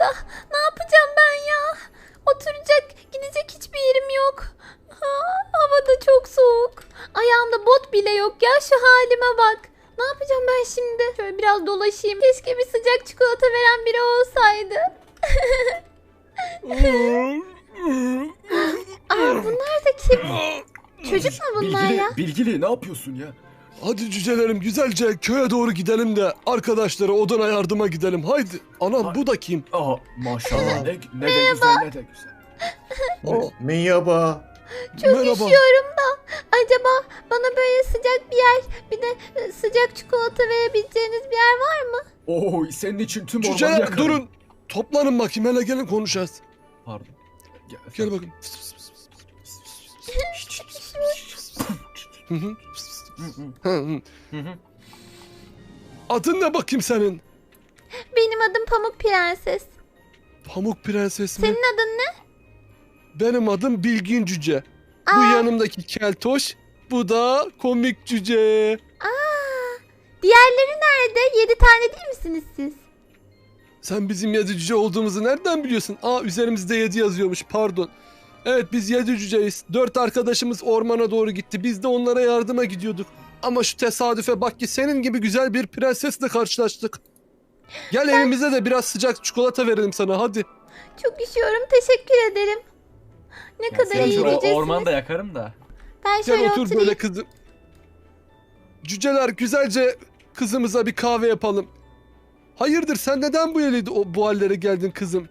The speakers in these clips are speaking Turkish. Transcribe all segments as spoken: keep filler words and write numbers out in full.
burada. Ne yapacağım ben ya? Oturacak, gidecek hiçbir yerim yok. Ha, hava da çok soğuk. Ayağımda bot bile yok ya, şu halime bak. Ne yapacağım ben şimdi? Şöyle biraz dolaşayım. Keşke bir sıcak çikolata veren biri olsaydı. Aa, bunlar da kim? Çocuk mu bunlar Bilgili, ya? Bilgili ne yapıyorsun ya? Hadi cücelerim güzelce köye doğru gidelim de arkadaşlara odana yardıma gidelim. Haydi. Anam Ha- bu da kim? Aa maşallah ne, ne de güzel ne de güzel. Aa, Merhaba. Çok merhaba. üşüyorum da. Acaba bana böyle sıcak bir yer, bir de e, sıcak çikolata verebileceğiniz bir yer var mı? Oo senin için tüm ormanı Cüceler yakarım. durun. Toplanın bakayım hele gelin konuşacağız. Pardon. Gel, Gel bakayım. Hı hı. Hı hı. Hı hı. Adın ne bakayım senin? Benim adım Pamuk Prenses. Pamuk Prenses mi? Senin adın ne? Benim adım Bilgin Cüce. Bu Aa, yanımdaki keltoş. Bu da komik cüce. diğerleri nerede? Yedi tane değil misiniz siz? Sen bizim yedi cüce olduğumuzu nereden biliyorsun? Aa üzerimizde yedi yazıyormuş pardon. Evet biz yedi cüceyiz. Dört arkadaşımız ormana doğru gitti. Biz de onlara yardıma gidiyorduk. Ama şu tesadüfe bak ki senin gibi güzel bir prensesle karşılaştık. Gel evimize de biraz sıcak çikolata verelim sana hadi. Çok üşüyorum. Teşekkür ederim. Ne Ya kadar seni iyi şu birisiniz. ormanda yakarım da. Ben Gel şöyle otur oturayım. böyle kızım. Cüceler güzelce kızımıza bir kahve yapalım. Hayırdır sen neden bu yere o bu hallere geldin kızım?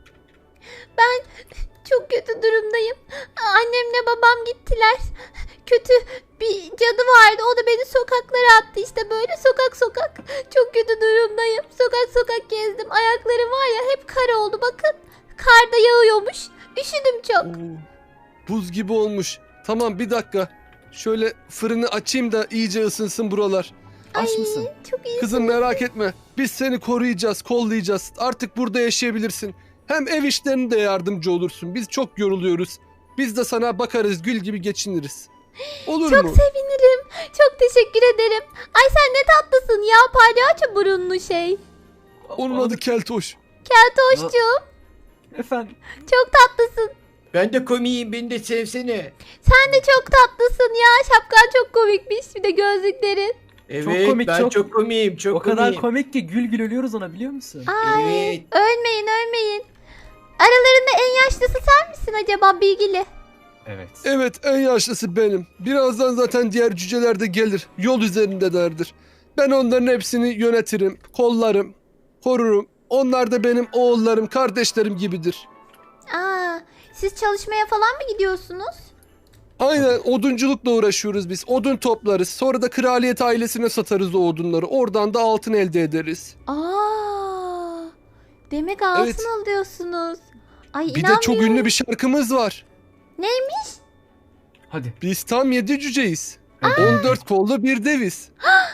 Çok kötü durumdayım. Annemle babam gittiler. Kötü bir cadı vardı. O da beni sokaklara attı. İşte böyle sokak sokak. Çok kötü durumdayım. Sokak sokak gezdim. Ayaklarım var ya hep kar oldu. Bakın. Kar da yağıyormuş. Üşüdüm çok. Oo, buz gibi olmuş. Tamam bir dakika. Şöyle fırını açayım da iyice ısınsın buralar. Aç mısın? Çok iyi. Kızım merak etme. Biz seni koruyacağız, kollayacağız. Artık burada yaşayabilirsin. Hem ev işlerine de yardımcı olursun. Biz çok yoruluyoruz. Biz de sana bakarız, gül gibi geçiniriz. Olur Çok mu? sevinirim. Çok teşekkür ederim. Ay sen ne tatlısın ya. Palyaço burunlu şey. Onun adı Keltoş. Keltoşcuğum. Efendim. Çok tatlısın. Ben de komiyim, beni de sevsene. Sen de çok tatlısın ya. Şapkan çok komikmiş. Bir de gözlüklerin. Evet, komik, ben çok- çok, komiyim, çok O kadar komiyim. komik ki gül gül ölüyoruz ona biliyor musun? Ay, Evet. ölmeyin ölmeyin. Aralarında en yaşlısı sen misin acaba Bilgili? Evet. Evet, en yaşlısı benim. Birazdan zaten diğer cüceler de gelir. Yol üzerindelerdir. Ben onların hepsini yönetirim, kollarım, korurum. Onlar da benim oğullarım, kardeşlerim gibidir. Aa, siz çalışmaya falan mı gidiyorsunuz? Aynen odunculukla uğraşıyoruz biz. Odun toplarız. Sonra da kraliyet ailesine satarız o odunları. Oradan da altın elde ederiz. Aa, demek altın Evet. alıyorsunuz. Ay Bir de inanmıyorum. çok ünlü bir şarkımız var. Neymiş? Hadi. Biz tam yedi cüceyiz. Evet. on dört kollu bir deviz.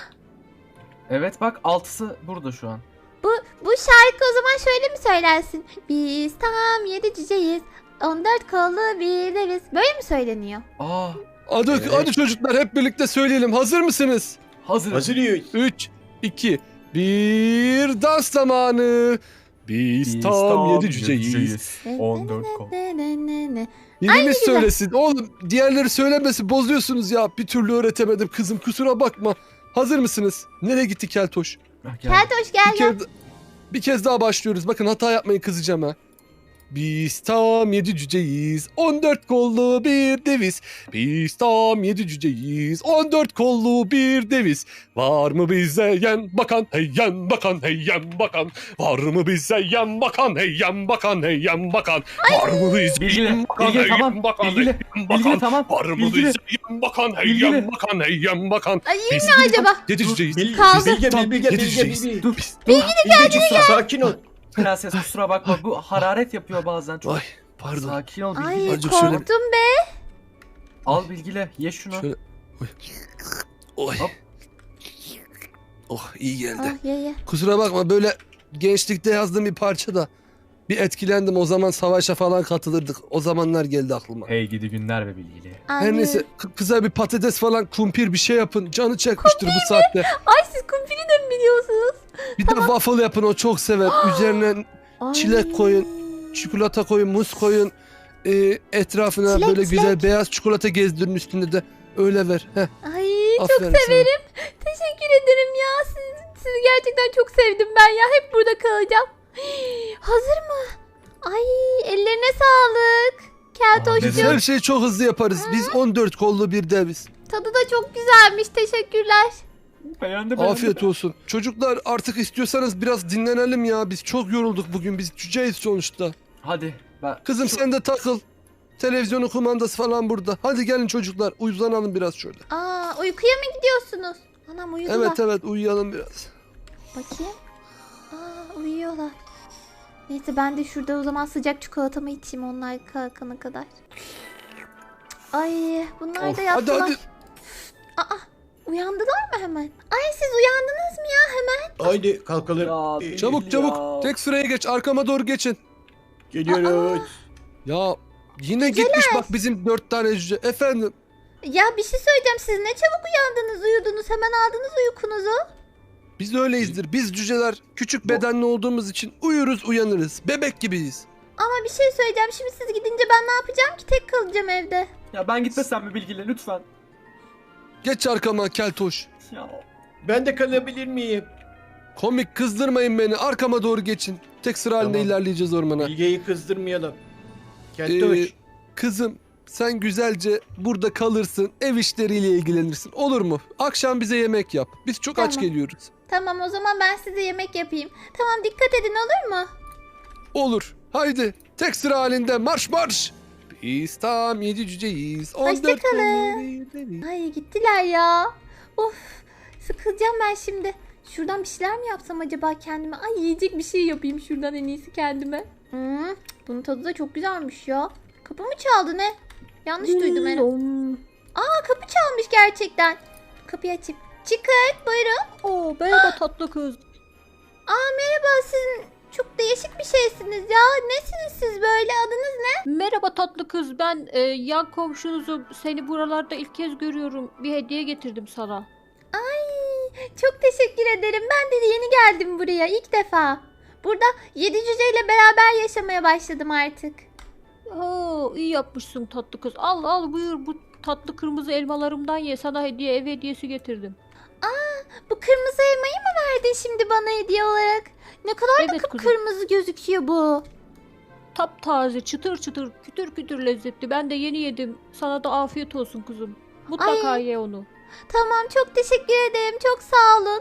Evet bak altısı burada şu an. Bu, bu şarkı o zaman şöyle mi söylensin? Biz tam yedi cüceyiz. on dört kollu bir deviz. Böyle mi söyleniyor? Aa Hadi, Evet. hadi çocuklar hep birlikte söyleyelim. Hazır mısınız? hazır. Hazırız. üç, iki, bir dans zamanı. Biz, tam yedi cüceyiz. on dört kol. Ne, ne, ne, ne. Biriniz güzel. söylesin. Oğlum diğerleri söylemesi bozuyorsunuz ya. Bir türlü öğretemedim kızım kusura bakma. Hazır mısınız? Nereye gitti Keltoş? Ah, gel. Keltoş gel Bir, gel. kez, bir kez daha başlıyoruz. Bakın hata yapmayın kızacağım ha. Biz tam yedi cüceyiz. on dört kollu bir deviz. Biz tam yedi cüceyiz. on dört kollu bir deviz. Var mı bize yan bakan hey yan bakan hey yan bakan. Var mı bize yan bakan hey yan bakan hey yan bakan. Var mı bize Bilgili, yan bakan bilgili, hey tamam. yan bakan hey Bilgili, yan bilgili, bakan. tamam. Var mı Bilgili. bize yan bakan hey Bilgili. yan bakan hey yan bakan. Ay iyi Biz mi acaba? yedi cüceyiz. Bil, Kaldı. Bilge, Tam Bilge, Bilge, yetişeceğiz. Bilge. Dur. Bilge sakin ol. Prenses kusura bakma bu hararet yapıyor bazen çok. Ay pardon. Sakin ol Ay bilgili. Azıcık şöyle- korktum be. Al bilgili ye şunu. Şöyle. Oy. Oy. Hop. Oh iyi geldi. Ah ye ye. Kusura bakma böyle gençlikte yazdığım bir parça da bir etkilendim. O zaman savaşa falan katılırdık. O zamanlar geldi aklıma. Hey gidi günler be bilgili. Her Anlıyorum. neyse k- kıza bir patates falan kumpir bir şey yapın. Canı çekmiştir bu saatte. Ay siz kumpiri de mi biliyorsunuz? Bir de waffle yapın o çok sever. Üzerine Ay. Çilek koyun, çikolata koyun, muz koyun. Ee, etrafına Çilek, böyle çilek. güzel beyaz çikolata gezdirin, üstünde de öyle ver. Heh, Ay çok aferin sana. severim. Teşekkür ederim ya. Siz, sizi gerçekten çok sevdim ben ya. Hep burada kalacağım. Hazır mı? Ay ellerine sağlık. Aa, Biz Keltoş'cum. her şeyi çok hızlı yaparız. Biz on dört kollu bir deviz. Tadı da çok güzelmiş. Teşekkürler. Beğendi beğendi. Afiyet olsun. Çocuklar artık istiyorsanız biraz dinlenelim ya. Biz çok yorulduk bugün. Biz cüceyiz sonuçta. Hadi. Ben... Kızım Şu- sen de takıl. Televizyonun kumandası falan burada. Hadi gelin çocuklar, uzanalım biraz şöyle. Aa uykuya mı gidiyorsunuz? Anam uyudular. Evet evet, uyuyalım biraz. Bakayım. Aa uyuyorlar. Neyse ben de şurada o zaman sıcak çikolatamı içeyim onlar kalkana kadar. Ay bunlar Of, da hadi yattılar. hadi. Aa uyandılar mı hemen? Ay siz uyandınız mı ya hemen? Haydi kalkalım. Ya, Ee, Çabuk Ya. çabuk. Tek sıraya geç, arkama doğru geçin. Geliyoruz. Ya yine gitmiş bak bizim dört tane cüce. Efendim. Ya bir şey söyleyeceğim siz ne çabuk uyandınız uyudunuz hemen aldınız uykunuzu. Biz öyleyizdir. Biz cüceler küçük bedenli olduğumuz için uyuruz uyanırız. Bebek gibiyiz. Ama bir şey söyleyeceğim şimdi siz gidince ben ne yapacağım ki tek kalacağım evde. Ya ben gitmesem mi Bilgili lütfen. Geç arkama keltoş. Ya. Ben de kalabilir miyim? Komik, kızdırmayın beni. Arkama doğru geçin. Tek sıra halinde Tamam. ilerleyeceğiz ormana. Bilgeyi kızdırmayalım. Keltoş. Ee, kızım sen güzelce burada kalırsın. Ev işleriyle ilgilenirsin. Olur mu? Akşam bize yemek yap. Biz çok aç Tamam. geliyoruz. Tamam o zaman ben size yemek yapayım. Tamam dikkat edin olur mu? Olur. Haydi. Tek sıra halinde marş marş. Biz tam yedi cüceyiz. on dört Hoşçakalın. kollu bir deviz. Ay gittiler ya. Of sıkılacağım ben şimdi. Şuradan bir şeyler mi yapsam acaba kendime? Ay yiyecek bir şey yapayım şuradan en iyisi kendime. Hmm, bunun tadı da çok güzelmiş ya. Kapı mı çaldı ne? Yanlış duydum herhalde. Aa kapı çalmış gerçekten. Kapıyı açayım. Çıkın buyurun. Oo merhaba tatlı kız. Aa merhaba siz çok değişik bir şeysiniz ya. Nesiniz siz böyle adınız ne? Merhaba tatlı kız. Ben e, yan komşunuzum. Seni buralarda ilk kez görüyorum. Bir hediye getirdim sana. Ay çok teşekkür ederim. Ben de yeni geldim buraya ilk defa. Burada yedi cüceyle beraber yaşamaya başladım artık. Oo iyi yapmışsın tatlı kız. Al al buyur bu tatlı kırmızı elmalarımdan ye. Sana hediye ev hediyesi getirdim. Bu kırmızı elmayı mı verdin şimdi bana hediye olarak? Ne kadar da Evet kızım. kıpkırmızı gözüküyor bu. Taptaze çıtır çıtır kütür kütür lezzetli. Ben de yeni yedim. Sana da afiyet olsun kızım. Mutlaka Ay. ye onu. Tamam çok teşekkür ederim. Çok sağ olun.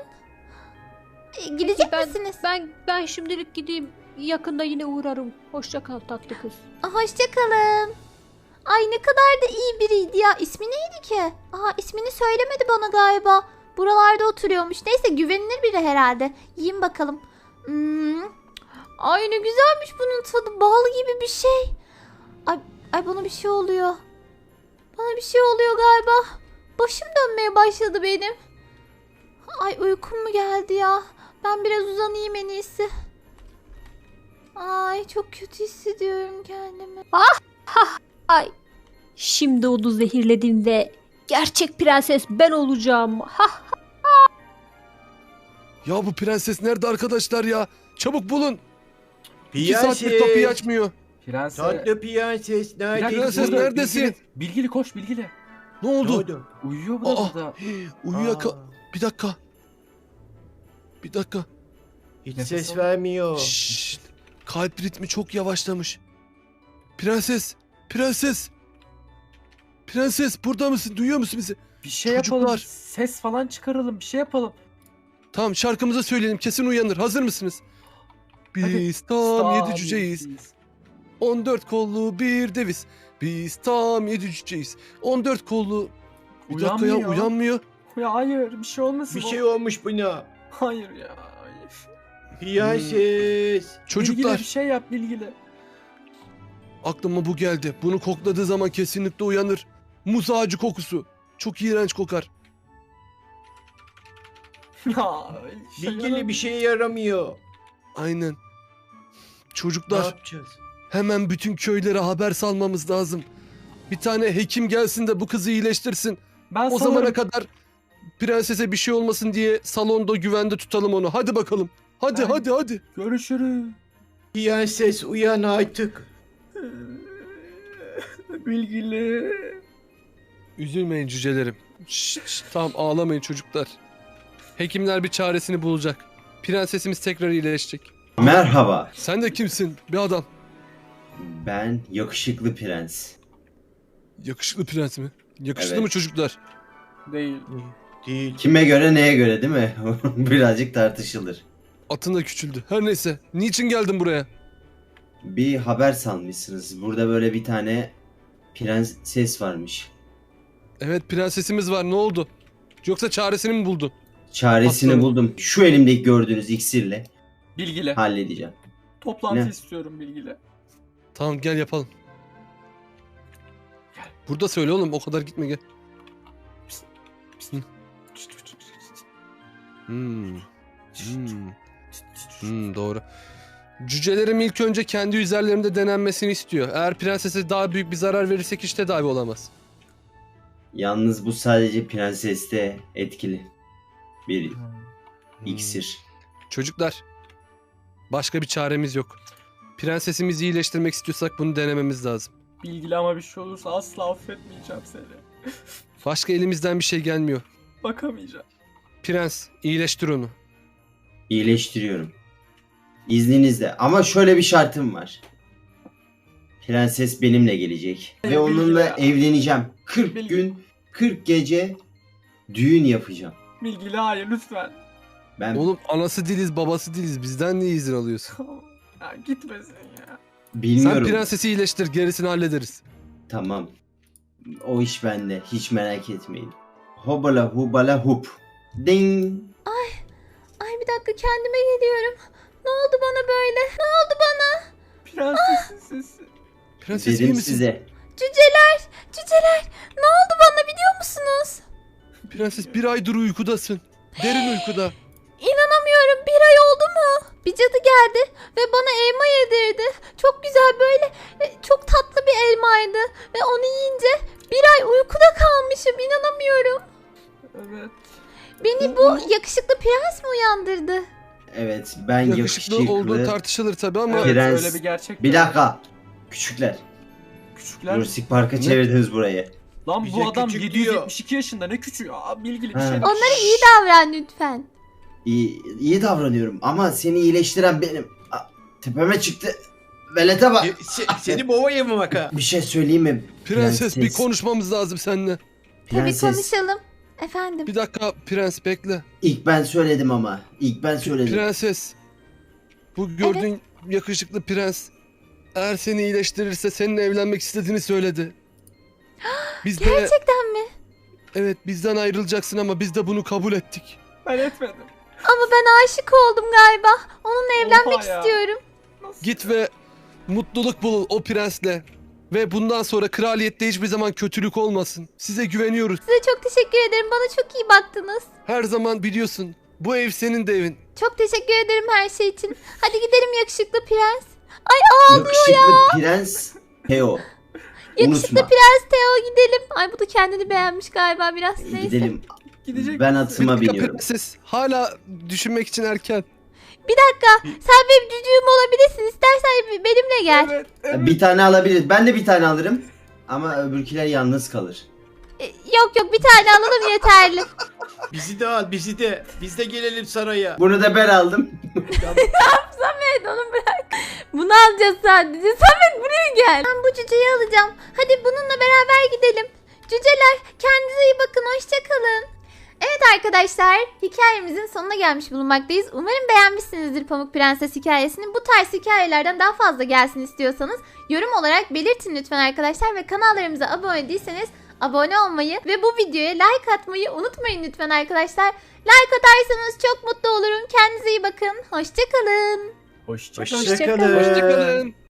E, gidecek ben, misiniz? Ben ben şimdilik gideyim. Yakında yine uğrarım. Hoşça kal tatlı kız. Aa, hoşçakalın. Ay ne kadar da iyi biriydi ya. İsmi neydi ki? Aa ismini söylemedi bana galiba. Buralarda oturuyormuş. Neyse güvenilir biri herhalde. Yiyin bakalım. Hmm. Ay ne güzelmiş bunun tadı. Bal gibi bir şey. Ay, ay bana bir şey oluyor. Bana bir şey oluyor galiba. Başım dönmeye başladı benim. Ay uykum mu geldi ya? Ben biraz uzanayım en iyisi. Ay çok kötü hissediyorum kendimi. Ay. Şimdi onu zehirledim ve gerçek prenses ben olacağım. Ha. Ya bu prenses nerede arkadaşlar ya? Çabuk bulun. İki saattir kapıyı Prenses. açmıyor. Prenses. Tatlı prenses. Bir dakika, Neredesin? Prenses Bilgili, neredesin? Bilgili, Bilgili koş Bilgili. Ne Ne oldu? oldu? Uyuyor bu da Aa, burada. uyuyaka... Aa, Bir dakika. Bir dakika. hiç Nefes ses al. vermiyor. Şşşt. Kalp ritmi çok yavaşlamış. Prenses. Prenses. Prenses burada mısın? Duyuyor musun bizi? Bir şey Çocuklar. yapalım. Ses falan çıkaralım. Bir şey yapalım. Tamam şarkımızı söyleyelim. Kesin uyanır. Hazır mısınız? Biz tam Sağ yedi cüceyiz. on dört kollu bir deviz. Biz tam yedi cüceyiz. on dört kollu... Bir dakika ya Uyanmıyor. uyanmıyor. Ya hayır bir şey olmasın. Bir o. şey olmuş buna. Hayır ya. Hayır. Prenses. Çocuklar Bilgili bir şey yap Bilgili. aklıma bu geldi. Bunu kokladığı zaman kesinlikle uyanır. Muz ağacı kokusu. Çok iğrenç kokar. Ya. şey Bilgili bir şeye yaramıyor. Aynen. Ne Çocuklar yapacağız? hemen bütün köylere haber salmamız lazım. Bir tane hekim gelsin de bu kızı iyileştirsin. Ben O sanırım- zamana kadar prensese bir şey olmasın diye salonda güvende tutalım onu. Hadi bakalım. Hadi Ben- hadi hadi. Görüşürüz. Prenses uyan artık. Bilgili. Üzülmeyin cücelerim. Şşt, şşt, tamam ağlamayın çocuklar. Hekimler bir çaresini bulacak. Prensesimiz tekrar iyileşecek. Merhaba. Sen de kimsin? Bir adam. Ben yakışıklı prens. Yakışıklı prens mi? Yakışıklı Evet. mı çocuklar? Değil. Değil. Kime göre neye göre değil mi? Birazcık tartışılır. Atın da küçüldü. Her neyse. Niçin geldin buraya? Bir haber salmışsınız. Burada böyle bir tane prenses varmış. Evet prensesimiz var. Ne oldu? Yoksa çaresini mi buldun? Çaresini Aslanım. buldum. Şu elimdeki gördüğünüz iksirle Bilgili. halledeceğim. Toplantı Ne? istiyorum Bilgili. Tamam gel yapalım. Burada söyle oğlum. O kadar gitme gel. Hmm. Hmm. Hmm, doğru. Cücelerim ilk önce kendi üzerlerimde denenmesini istiyor. Eğer prensese daha büyük bir zarar verirsek hiç tedavi olamaz. Yalnız bu sadece prenseste etkili. Bir Hmm. iksir. Çocuklar, başka bir çaremiz yok. Prensesimizi iyileştirmek istiyorsak bunu denememiz lazım. Bilgili ama bir şey olursa asla affetmeyeceğim seni. Başka elimizden bir şey gelmiyor. Bakamayacağım. Prens, iyileştir onu. İyileştiriyorum. İzninizle. Ama şöyle bir şartım var. Prenses benimle gelecek. Ve Bilgili onunla ya. evleneceğim. kırk Bilgili. gün, kırk gece düğün yapacağım. Bilgili hayır lütfen. Ben Oğlum anası değiliz, babası değiliz. Bizden niye izin alıyorsun? Ya gitmesin ya. bilmiyorum. Sen prensesi iyileştir, gerisini hallederiz. Tamam. O iş bende. Hiç merak etmeyin. Hobala hubala hup. Ding. Ay bir dakika kendime geliyorum. Ne oldu bana böyle? Ne oldu bana? Prensesin sesi. Prenses iyi Dedim misin? size. Cüceler, cüceler. Ne oldu bana biliyor musunuz? Prenses bir aydır uykudasın. Derin uykuda. İnanamıyorum bir ay oldu mu? Bir cadı geldi ve bana elma yedirdi. Çok güzel böyle e, çok tatlı bir elmaydı. Ve onu yiyince bir ay uykuda kalmışım inanamıyorum. Evet. Beni bu yakışıklı prens mi uyandırdı? Evet ben Yakışıklı, yakışıklı. olduğu tartışılır tabii ama Evet Prens. öyle bir gerçek. Bir var. dakika. Küçükler. Küçükler. Jurassic Park'a çevirdiniz burayı. Lan Bize bu adam küçük yedi yüz yetmiş iki yaşında ne küçüğü? Aa, bilgili bir He. şey. Onlara iyi davran lütfen. İyi, iyi davranıyorum ama seni iyileştiren benim. Aa, tepeme çıktı. Velete bak. Se- se- seni boğaya mı baka? Bir şey söyleyeyim mi? prenses bir konuşmamız lazım seninle. Tabii Prenses. konuşalım. Efendim. Bir dakika prens bekle. İlk ben söyledim ama. İlk ben söyledim. Prenses. Bu gördüğün yakışıklı prens eğer seni iyileştirirse seninle evlenmek istediğini söyledi. Biz de Gerçekten mi? evet bizden ayrılacaksın ama biz de bunu kabul ettik. Ben etmedim. Ama ben aşık oldum galiba. Onunla evlenmek Oha ya. istiyorum. Nasıl? Git ve mutluluk bul o prensle. Ve bundan sonra kraliyette hiçbir zaman kötülük olmasın. Size güveniyoruz. Size çok teşekkür ederim. Bana çok iyi baktınız. Her zaman biliyorsun. Bu ev senin de evin. Çok teşekkür ederim her şey için. Hadi gidelim yakışıklı prens. Ay ağlıyor ya. Yakışıklı prens Teo. Yakışıklı Unutma. prens Teo gidelim. Ay bu da kendini beğenmiş galiba biraz. Neyse. Gidelim. Gidecek Ben misin? atıma Bir dakika biniyorum. prenses. Hala düşünmek için erken. Bir dakika. Sen benim cücüğüm olabilirsin. İstersen benimle gel. Evet, evet. Bir tane alabiliriz. Ben de bir tane alırım. Ama öbürkiler yalnız kalır. E, yok yok bir tane alalım yeterli. Bizi de al bizi de. Biz de gelelim saraya. Bunu da ben aldım. Samet onu bırak. Bunu alacağız sadece. Samet buraya gel. Ben bu cüceyi alacağım. Hadi bununla beraber gidelim. Cüceler kendinize iyi bakın. Hoşçakalın. Evet arkadaşlar hikayemizin sonuna gelmiş bulunmaktayız. Umarım beğenmişsinizdir Pamuk Prenses hikayesini. Bu tarz hikayelerden daha fazla gelsin istiyorsanız yorum olarak belirtin lütfen arkadaşlar. Ve kanallarımıza abone değilseniz abone olmayı ve bu videoya like atmayı unutmayın lütfen arkadaşlar. Like atarsanız çok mutlu olurum. Kendinize iyi bakın. Hoşçakalın. Hoşçakalın. Hoşçakalın. Hoşçakalın.